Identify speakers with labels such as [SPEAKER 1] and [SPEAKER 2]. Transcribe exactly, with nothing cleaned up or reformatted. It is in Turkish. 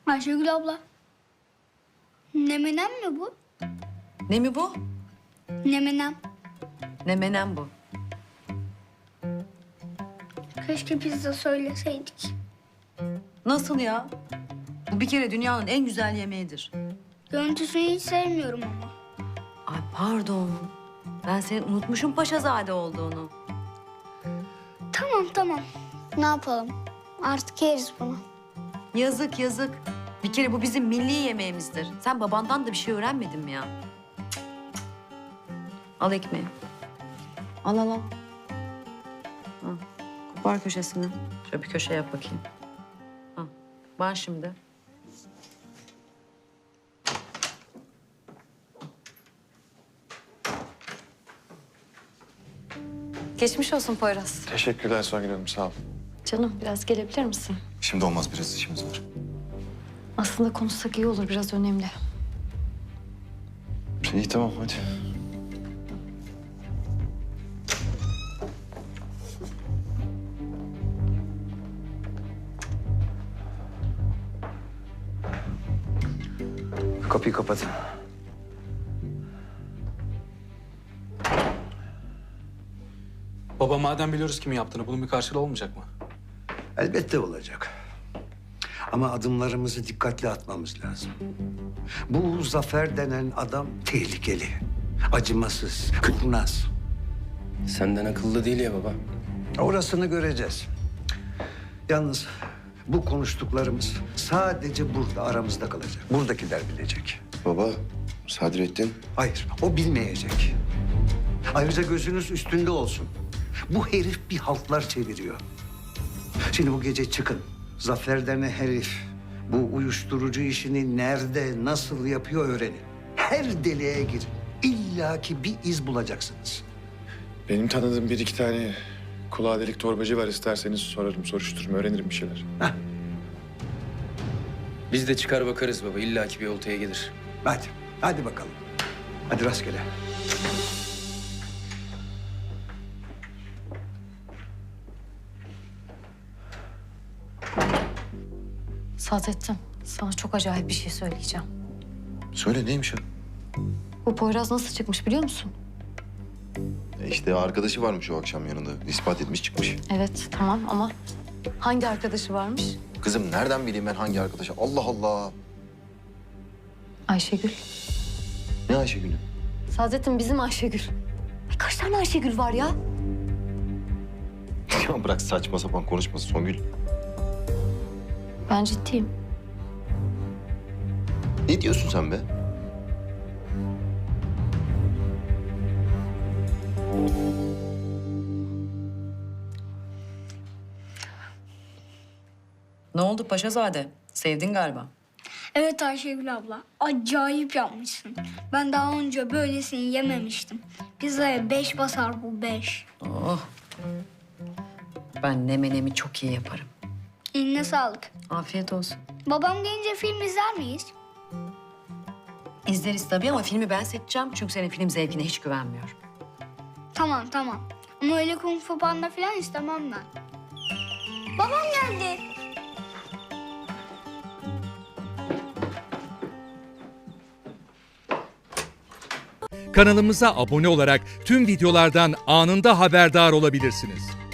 [SPEAKER 1] Ayşegül abla. Nemenem mi bu?
[SPEAKER 2] Ne mi bu?
[SPEAKER 1] Nemenem.
[SPEAKER 2] Ne menem bu?
[SPEAKER 1] Keşke pizza söyleseydik.
[SPEAKER 2] Nasıl ya? Bu bir kere dünyanın en güzel yemeğidir.
[SPEAKER 1] Görüntüsünü hiç sevmiyorum ama.
[SPEAKER 2] Ay pardon. Ben senin unutmuşum Paşazade olduğunu.
[SPEAKER 1] Tamam tamam. Ne yapalım? Artık yeriz bunu.
[SPEAKER 2] Yazık yazık. Bir kere bu bizim milli yemeğimizdir. Sen babandan da bir şey öğrenmedin mi ya? Cık, cık. Al ekmeği. Al al al. Al. Kopar köşesini. Şöyle bir köşe yap bakayım. Al. Var şimdi.
[SPEAKER 3] Geçmiş olsun Poyraz.
[SPEAKER 4] Teşekkürler Songül Hanım, sağ ol.
[SPEAKER 3] Canım biraz gelebilir misin?
[SPEAKER 4] Şimdi olmaz, biraz işimiz var.
[SPEAKER 3] Aslında konuşsak iyi olur, biraz önemli.
[SPEAKER 4] İyi tamam, hadi. Kapıyı kapatın.
[SPEAKER 5] Baba madem biliyoruz kimin yaptığını bunun bir karşılığı olmayacak mı?
[SPEAKER 6] Elbette olacak. Ama adımlarımızı dikkatli atmamız lazım. Bu Zafer denen adam tehlikeli, acımasız, kurnaz.
[SPEAKER 7] Senden akıllı değil ya baba.
[SPEAKER 6] Orasını göreceğiz. Yalnız bu konuştuklarımız sadece burada aramızda kalacak. Buradakiler bilecek.
[SPEAKER 4] Baba, Sadrettin.
[SPEAKER 6] Hayır, o bilmeyecek. Ayrıca gözünüz üstünde olsun. Bu herif bir haltlar çeviriyor. Şimdi bu gece çıkın. Zafer denen herif bu uyuşturucu işini nerede, nasıl yapıyor öğrenin. Her deliğe girin. İlla ki bir iz bulacaksınız.
[SPEAKER 4] Benim tanıdığım bir iki tane kulağı delik torbacı var. İsterseniz sorarım, soruştururum, öğrenirim bir şeyler.
[SPEAKER 6] Heh,
[SPEAKER 7] Biz de çıkar bakarız baba. İlla ki bir oltaya gelir.
[SPEAKER 6] hadi, hadi bakalım. Hadi rastgele.
[SPEAKER 3] Saadettin, sana çok acayip bir şey söyleyeceğim.
[SPEAKER 8] Söyle neymiş o?
[SPEAKER 3] Bu Poyraz nasıl çıkmış biliyor musun?
[SPEAKER 8] E işte arkadaşı varmış o akşam yanında. İspat etmiş çıkmış.
[SPEAKER 3] Evet, tamam ama hangi arkadaşı varmış?
[SPEAKER 8] Kızım nereden bileyim ben hangi arkadaşı? Allah Allah.
[SPEAKER 3] Ayşegül.
[SPEAKER 8] Ne Ayşegül'ü?
[SPEAKER 3] Saadettin bizim Ayşegül. Ay, kaç tane Ayşegül var ya?
[SPEAKER 8] Ya bırak saçma sapan konuşması Songül.
[SPEAKER 3] Ben ciddiyim.
[SPEAKER 8] Ne diyorsun sen be?
[SPEAKER 2] Ne oldu Paşazade? Sevdin galiba.
[SPEAKER 1] Evet Ayşegül abla. Acayip yapmışsın. Ben daha önce böylesini yememiştim. Pizzaya beş basar bu beş.
[SPEAKER 2] Oh. Ben nemenemi çok iyi yaparım.
[SPEAKER 1] Eline sağlık.
[SPEAKER 2] Afiyet olsun.
[SPEAKER 1] Babam gelince film izler miyiz?
[SPEAKER 2] İzleriz tabii ama filmi ben seçeceğim. Çünkü senin film zevkine hiç güvenmiyorum.
[SPEAKER 1] Tamam tamam. Ama öyle kung fu panda falan istemem ben. Babam geldi.
[SPEAKER 9] Kanalımıza abone olarak tüm videolardan anında haberdar olabilirsiniz.